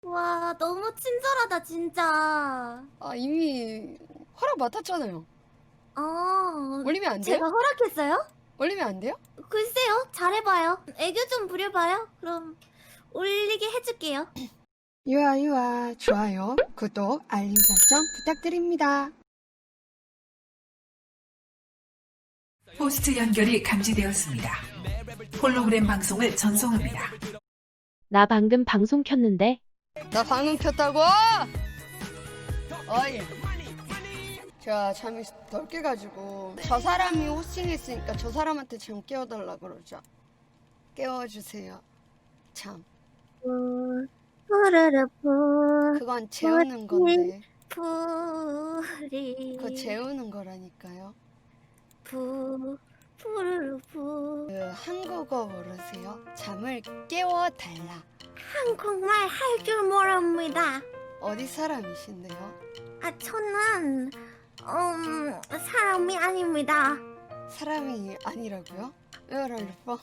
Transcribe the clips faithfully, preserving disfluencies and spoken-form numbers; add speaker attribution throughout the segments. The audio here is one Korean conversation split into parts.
Speaker 1: 와, 너무 친절하다, 진짜.
Speaker 2: 아, 이미 허락 맡았잖아요.
Speaker 1: 어,
Speaker 2: 올리면 안 돼요?
Speaker 1: 제가 허락했어요?
Speaker 2: 올리면 안 돼요?
Speaker 1: 글쎄요, 잘해봐요. 애교 좀 부려봐요. 그럼 올리게 해줄게요.
Speaker 2: 유아 유아 좋아요, 구독, 알림 설정 부탁드립니다.
Speaker 3: 호스트 연결이 감지되었습니다. 홀로그램 방송을 전송합니다.
Speaker 4: 나 방금 방송 켰는데.
Speaker 2: 나 방금 켰다고? 어이. 제가 잠이 덜 깨가지고 저 사람이 호스팅했으니까 저 사람한테 잠 깨워달라 그러죠. 깨워주세요. 참.
Speaker 1: 푸, 푸르르 푸,
Speaker 2: 그건 재우는 건데.
Speaker 1: 푸리.
Speaker 2: 그거 재우는 거라니까요.
Speaker 1: 푸, 푸르르 푸.
Speaker 2: 그 한국어 모르세요? 잠을 깨워달라.
Speaker 1: 한국말 할 줄 모릅니다.
Speaker 2: 어디 사람이신데요?
Speaker 1: 아, 저는 음 사람이 아닙니다.
Speaker 2: 사람이 아니라고요? 왜를 뻔?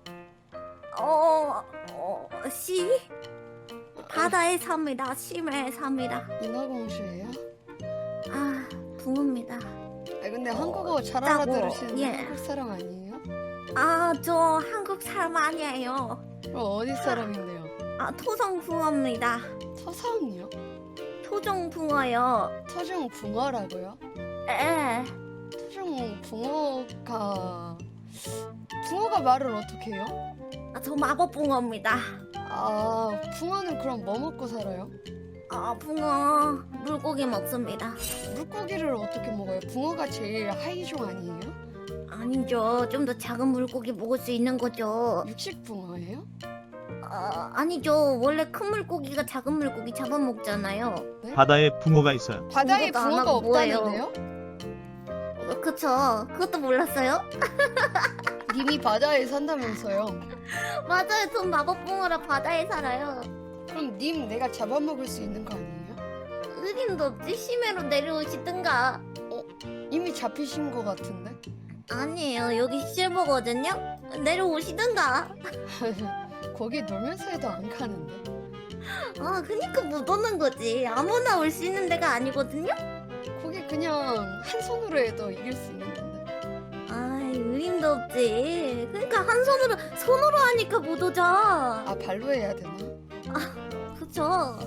Speaker 1: 어, 어, 시? 바다에 삽니다. 심해에 삽니다.
Speaker 2: 인어공주예요?
Speaker 1: 아, 붕어입니다.
Speaker 2: 아 근데 한국어 잘
Speaker 1: 짜고,
Speaker 2: 알아들으시는
Speaker 1: 예.
Speaker 2: 한국 사람 아니에요?
Speaker 1: 아, 저 한국 사람 아니에요.
Speaker 2: 그럼 어디 사람인데요?
Speaker 1: 아, 토종 붕어입니다.
Speaker 2: 서사은요?
Speaker 1: 토종 붕어요.
Speaker 2: 토종 붕어라고요?
Speaker 1: 에,
Speaker 2: 토종 붕어가 붕어가 말을 어떻게 해요?
Speaker 1: 아, 저 마법 붕어입니다.
Speaker 2: 아 붕어는 그럼 뭐 먹고 살아요?
Speaker 1: 아, 붕어 물고기 먹습니다.
Speaker 2: 물고기를 어떻게 먹어요? 붕어가 제일 하이종 아니에요?
Speaker 1: 아니죠. 좀 더 작은 물고기 먹을 수 있는 거죠.
Speaker 2: 육식 붕어예요?
Speaker 1: 아, 아니죠. 원래 큰 물고기가 작은 물고기 잡아먹잖아요.
Speaker 5: 바다에 붕어가 있어요.
Speaker 2: 바다에
Speaker 1: 붕어가 안
Speaker 2: 붕어가
Speaker 1: 하고 뭐예요?
Speaker 2: 없다는데요?
Speaker 1: 어, 그쵸. 그것도 몰랐어요?
Speaker 2: 님이 바다에 산다면서요?
Speaker 1: 맞아요. 전 마법붕어라 바다에 살아요.
Speaker 2: 그럼 님 내가 잡아먹을 수 있는 거 아니에요?
Speaker 1: 의림도 없지. 심해로 내려오시든가.
Speaker 2: 이미 잡히신 거 같은데?
Speaker 1: 아니에요. 여기 실버거든요. 내려오시든가.
Speaker 2: 거기 놀면서 해도 안 가는데?
Speaker 1: 아, 그니까 못 오는 거지. 아무나 올 수 있는 데가 아니거든요.
Speaker 2: 거기 그냥 한 손으로 해도 이길 수 있는 건데.
Speaker 1: 아이, 의림도 없지. 그러니까 한 손으로 손으로 하니까 못 오죠.
Speaker 2: 아 발로 해야 되나?
Speaker 1: 그쵸.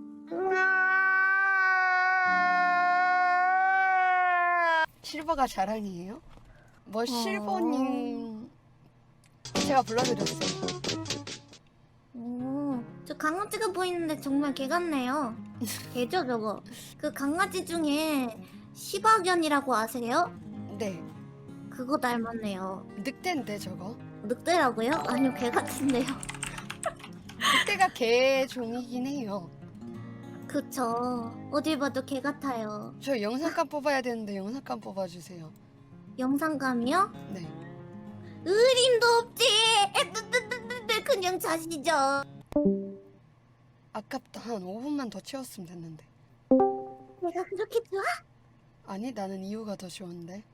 Speaker 2: 실버가 자랑이에요?
Speaker 1: 어.
Speaker 2: 뭐 실버님 제가 불러드렸어요.
Speaker 1: 오, 저 강아지가 보이는데 정말 개 같네요. 개죠, 저거. 그 강아지 중에 시바견이라고 아세요?
Speaker 2: 네
Speaker 1: 그거 닮았네요.
Speaker 2: 늑대인데 저거.
Speaker 1: 늑대라고요? 아니요, 개 같은데요.
Speaker 2: 늑대가 개 종이긴 해요.
Speaker 1: 그쵸. 어딜 봐도 개 같아요.
Speaker 2: 저 영상감 뽑아야 되는데 영상감 뽑아주세요.
Speaker 1: 영상감이요?
Speaker 2: 네.
Speaker 1: 의림도 없지. 에뜨뜨뜨뜨 그냥 자시죠.
Speaker 2: 아깝다. 한 오 분만 더 채웠으면 됐는데.
Speaker 1: 내가 그렇게 좋아?
Speaker 2: 아니 나는 이유가 더 좋은데.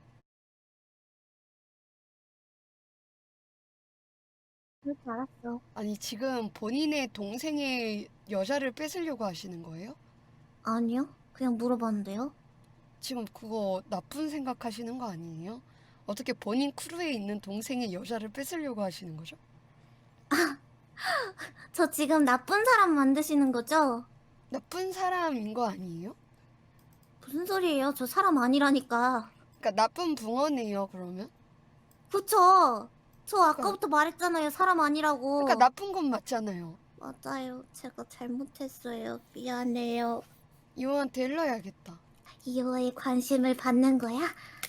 Speaker 1: 그럴 줄 알았어.
Speaker 2: 아니 지금 본인의 동생의 여자를 뺏으려고 하시는 거예요?
Speaker 1: 아니요, 그냥 물어봤는데요.
Speaker 2: 지금 그거 나쁜 생각하시는 거 아니에요? 어떻게 본인 크루에 있는 동생의 여자를 뺏으려고 하시는 거죠?
Speaker 1: 저 지금 나쁜 사람 만드시는 거죠?
Speaker 2: 나쁜 사람인 거 아니에요?
Speaker 1: 무슨 소리예요? 저 사람 아니라니까.
Speaker 2: 그러니까 나쁜 붕어네요 그러면?
Speaker 1: 그쵸? 저 아까부터 말했잖아요. 사람 아니라고.
Speaker 2: 그러니까 나쁜 건 맞잖아요.
Speaker 1: 맞아요. 제가 잘못했어요. 미안해요.
Speaker 2: 이호한테 일러야겠다.
Speaker 1: 이호의 관심을 받는 거야?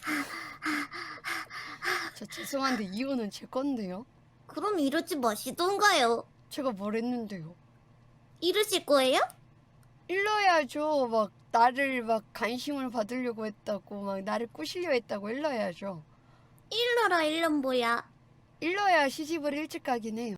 Speaker 2: 저 죄송한데 이호는 제 건데요.
Speaker 1: 그럼 이러지 마시던가요.
Speaker 2: 제가 뭘 했는데요?
Speaker 1: 이러실 거예요?
Speaker 2: 일러야죠. 막 나를 막 관심을 받으려고 했다고 막 나를 꼬시려 했다고 일러야죠.
Speaker 1: 일러라 일럼 뭐야?
Speaker 2: 일러야 시집을 일찍 가긴 해요.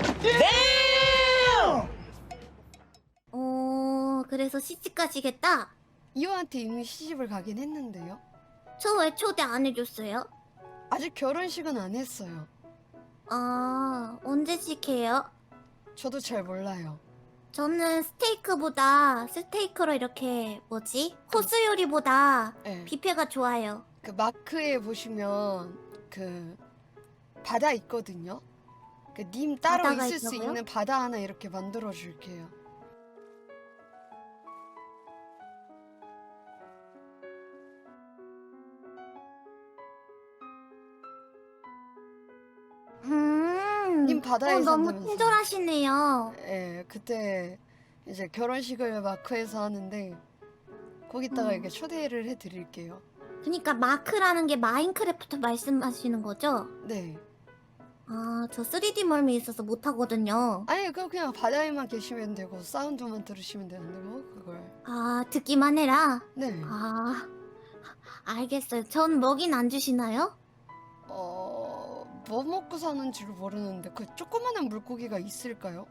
Speaker 1: 어... 그래서 시집 가시겠다?
Speaker 2: 이호한테 이미 시집을 가긴 했는데요.
Speaker 1: 저 왜 초대 안 해줬어요?
Speaker 2: 아직 결혼식은 안 했어요.
Speaker 1: 아... 언제씩 해요?
Speaker 2: 저도 잘 몰라요.
Speaker 1: 저는 스테이크보다 스테이크로 이렇게 뭐지? 코스 요리보다
Speaker 2: 네.
Speaker 1: 뷔페가 좋아요.
Speaker 2: 그 마크에 보시면 그 바다 있거든요. 그 님 따로
Speaker 1: 바다가
Speaker 2: 있을 수
Speaker 1: 있다고요?
Speaker 2: 있는 바다 하나 이렇게 만들어 줄게요.
Speaker 1: 음.
Speaker 2: 님 바다에
Speaker 1: 어, 너무
Speaker 2: 산다면서요.
Speaker 1: 친절하시네요.
Speaker 2: 예, 그때 이제 결혼식을 마크에서 하는데 거기다가
Speaker 1: 음.
Speaker 2: 이렇게 초대를 해드릴게요.
Speaker 1: 그러니까 마크라는 게 마인크래프트 말씀하시는 거죠?
Speaker 2: 네.
Speaker 1: 아, 저 쓰리디 멀미 있어서 못 하거든요.
Speaker 2: 아니 그 그냥 바다에만 계시면 되고 사운드만 들으시면 되는데 뭐 그걸.
Speaker 1: 아, 듣기만 해라.
Speaker 2: 네.
Speaker 1: 아, 알겠어요. 전 먹인 안 주시나요?
Speaker 2: 어, 뭐 먹고 사는지를 모르는데 그 조그만한 물고기가 있을까요?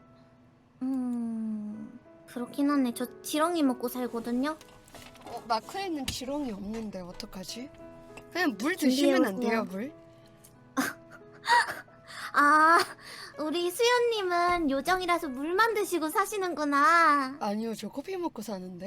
Speaker 1: 음, 그렇긴 하네. 저 지렁이 먹고 살거든요.
Speaker 2: 어, 마크에는 지렁이 없는데 어떡하지? 그냥 물 드시면 안 돼요, 물?
Speaker 1: 아, 우리 수연님은 요정이라서 물만 드시고 사시는구나.
Speaker 2: 아니요, 저 커피 먹고 사는데.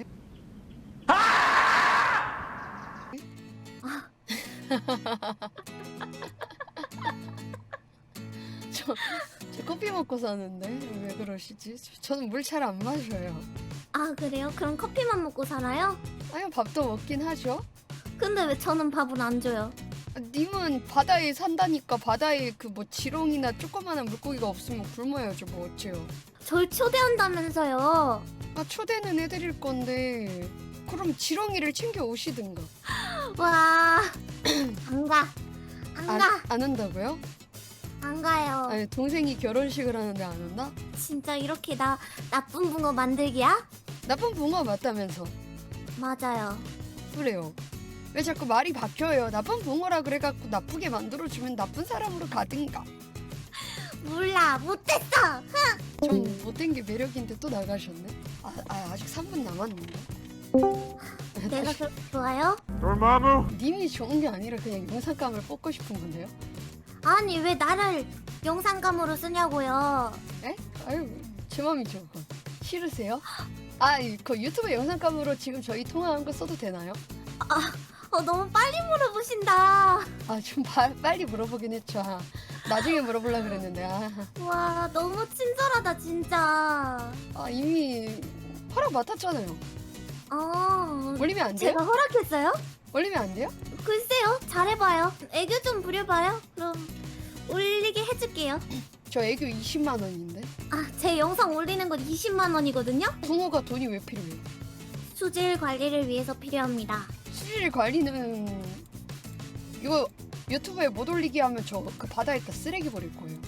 Speaker 2: 저, 저 커피 먹고 사는데 왜 그러시지? 저는 물 잘 안 마셔요.
Speaker 1: 아, 그래요? 그럼 커피만 먹고 살아요?
Speaker 2: 아니 밥도 먹긴 하죠.
Speaker 1: 근데 왜 저는 밥을 안 줘요?
Speaker 2: 아, 님은 바다에 산다니까 바다에 그 뭐 지렁이나 조그마한 물고기가 없으면 굶어야죠. 뭐 어째요?
Speaker 1: 절 초대한다면서요.
Speaker 2: 아 초대는 해드릴 건데 그럼 지렁이를 챙겨 오시든가.
Speaker 1: 와, 안 가. 안
Speaker 2: 안,
Speaker 1: 가.
Speaker 2: 안 한다고요?
Speaker 1: 안 가요.
Speaker 2: 아니 동생이 결혼식을 하는데 안 온다?
Speaker 1: 진짜 이렇게 나 나쁜 붕어 만들기야?
Speaker 2: 나쁜 붕어 맞다면서.
Speaker 1: 맞아요.
Speaker 2: 그래요. 왜 자꾸 말이 바뀌어요? 나쁜 붕어라 그래갖고 나쁘게 만들어주면 나쁜 사람으로 가든가.
Speaker 1: 몰라, 못했어.
Speaker 2: 좀 못된 게 매력인데 또 나가셨네? 아, 아 아직 삼 분 남았는데.
Speaker 1: 내가 그렇게 좋아요?
Speaker 2: 님이 좋은 게 아니라 그냥 영상감을 뽑고 싶은 건데요?
Speaker 1: 아니 왜 나를 영상감으로 쓰냐고요?
Speaker 2: 에? 아유 제 맘이죠 그건. 싫으세요? 아, 이- 그 유튜브 영상감으로 지금 저희 통화한 거 써도 되나요?
Speaker 1: 어 너무 빨리 물어보신다.
Speaker 2: 아, 좀 바- 빨리 물어보긴 했죠. 아, 나중에 물어보려 그랬는데 아,
Speaker 1: 와 너무 친절하다 진짜.
Speaker 2: 아 이미 허락 맡았잖아요.
Speaker 1: 어
Speaker 2: 올리면 안 돼요?
Speaker 1: 제가 허락했어요?
Speaker 2: 올리면 안 돼요?
Speaker 1: 글쎄요, 잘해봐요. 애교 좀 부려봐요. 그럼 올리게 해줄게요.
Speaker 2: 저 애교 이십만 원인데
Speaker 1: 아, 제 영상 올리는 건 이십만 원이거든요.
Speaker 2: 붕어가 돈이 왜 필요해요?
Speaker 1: 수질 관리를 위해서 필요합니다.
Speaker 2: 수질 관리는 이거 유튜브에 못 올리게 하면 저 그 바다에다 쓰레기 버릴 거예요.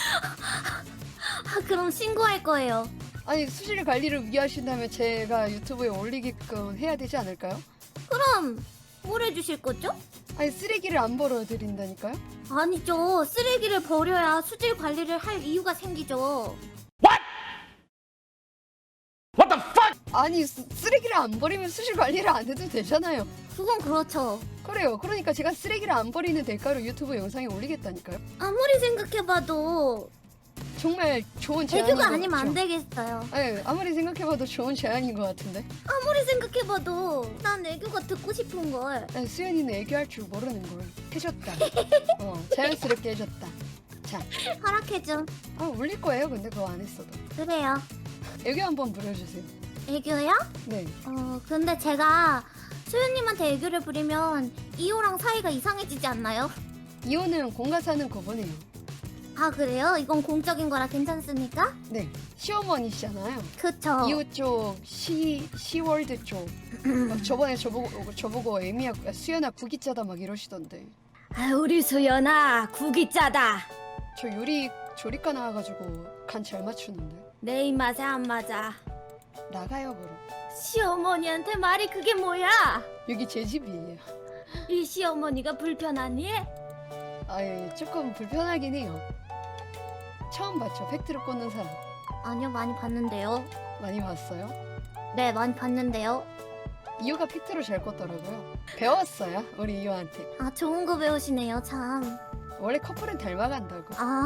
Speaker 1: 아, 그럼 신고할 거예요.
Speaker 2: 아니 수질 관리를 위하신다면 제가 유튜브에 올리게끔 해야 되지 않을까요?
Speaker 1: 그럼 뭘 해주실 거죠?
Speaker 2: 아니 쓰레기를 안 벌어드린다니까요?
Speaker 1: 아니죠. 쓰레기를 버려야 수질 관리를 할 이유가 생기죠.
Speaker 2: 아니 쓰, 쓰레기를 안 버리면 수질 관리를 안 해도 되잖아요.
Speaker 1: 그건 그렇죠.
Speaker 2: 그래요. 그러니까 제가 쓰레기를 안 버리는 대가로 유튜브 영상에 올리겠다니까요.
Speaker 1: 아무리 생각해봐도
Speaker 2: 정말 좋은 제안인
Speaker 1: 애교가
Speaker 2: 것
Speaker 1: 아니면 안
Speaker 2: 같죠?
Speaker 1: 되겠어요.
Speaker 2: 아니, 아무리 생각해봐도 좋은 제안인 것 같은데.
Speaker 1: 아무리 생각해봐도 난 애교가 듣고 싶은 걸.
Speaker 2: 아니, 수연이는 애교할 줄 모르는 걸 해줬다. 어, 자연스럽게 해줬다. 자,
Speaker 1: 허락해줘.
Speaker 2: 아, 올릴 거예요. 근데 그거 안 했어도.
Speaker 1: 그래요.
Speaker 2: 애교 한번 부려주세요.
Speaker 1: 애교요?
Speaker 2: 네.
Speaker 1: 어 근데 제가 소연님한테 애교를 부리면 이호랑 사이가 이상해지지 않나요?
Speaker 2: 이호는 공과 사는 거보네요.
Speaker 1: 아 그래요? 이건 공적인 거라 괜찮습니까?
Speaker 2: 네. 시어머니시잖아요.
Speaker 1: 그쵸.
Speaker 2: 이호 쪽, 시, 시월드 쪽. 막 저번에 저보고, 저보고 애미야, 수연아 구기짜다 막 이러시던데.
Speaker 1: 아 우리 수연아 국이 짜다.
Speaker 2: 저 요리 조리과 나와가지고 간 잘 맞추는데.
Speaker 1: 내 입맛에 안 맞아.
Speaker 2: 나가요, 그럼.
Speaker 1: 시어머니한테 말이 그게 뭐야?
Speaker 2: 여기 제 집이에요.
Speaker 1: 이 시어머니가 불편하니?
Speaker 2: 아예 조금 불편하긴 해요. 처음 봤죠? 팩트를 꽂는 사람.
Speaker 1: 아니요 많이 봤는데요.
Speaker 2: 많이 봤어요?
Speaker 1: 네 많이 봤는데요.
Speaker 2: 이호가 팩트로 잘 꽂더라고요. 배웠어요, 우리 이호한테.
Speaker 1: 아 좋은 거 배우시네요 참.
Speaker 2: 원래 커플은 닮아간다고.
Speaker 1: 아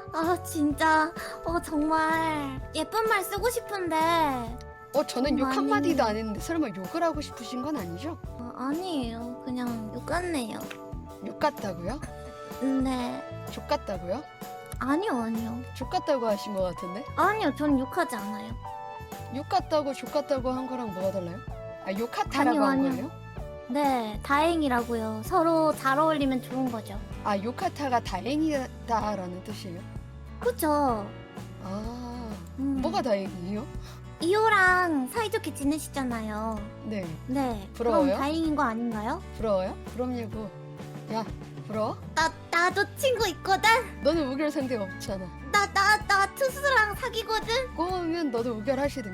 Speaker 1: 아 진짜 어 정말 예쁜 말 쓰고 싶은데
Speaker 2: 어 저는 욕
Speaker 1: 많이-
Speaker 2: 한마디도 안 했는데 설마 욕을 하고 싶으신 건 아니죠?
Speaker 1: 어, 아니에요. 그냥 욕 같네요.
Speaker 2: 욕 같다고요?
Speaker 1: 네.
Speaker 2: 족 같다고요?
Speaker 1: 아니요 아니요.
Speaker 2: 족 같다고 하신 것 같은데?
Speaker 1: 아니요 전 욕하지 않아요.
Speaker 2: 욕 같다고 족 같다고 한 거랑 뭐가 달라요? 아 욕같다라고
Speaker 1: 아니요,
Speaker 2: 한
Speaker 1: 아니요.
Speaker 2: 거예요?
Speaker 1: 네 다행이라고요. 서로 잘 어울리면 좋은 거죠.
Speaker 2: 아 욕같다가 다행이다라는 뜻이에요?
Speaker 1: 그쵸?
Speaker 2: 아
Speaker 1: 음.
Speaker 2: 뭐가 다행이에요?
Speaker 1: 이호랑 사이좋게 지내시잖아요.
Speaker 2: 네
Speaker 1: 네.
Speaker 2: 부러워요?
Speaker 1: 그럼 다행인 거 아닌가요?
Speaker 2: 부러워요? 부럽냐고. 야 부러워?
Speaker 1: 나 나도 친구 있거든.
Speaker 2: 너는 우결 상대 없잖아.
Speaker 1: 나 나 나 투수랑 사귀거든.
Speaker 2: 꼬우면 너도 우결하시든가.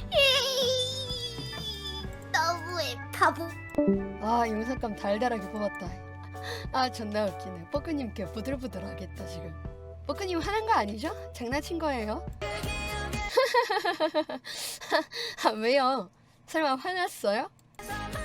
Speaker 1: 너무해 바보.
Speaker 2: 아 영상감 달달하게 뽑았다. 아 존나 웃기네. 뻐꾸님께 부들부들하겠다 지금. 뻐꾸님 화난 거 아니죠? 장난친 거예요? 아 왜요? 설마 화났어요?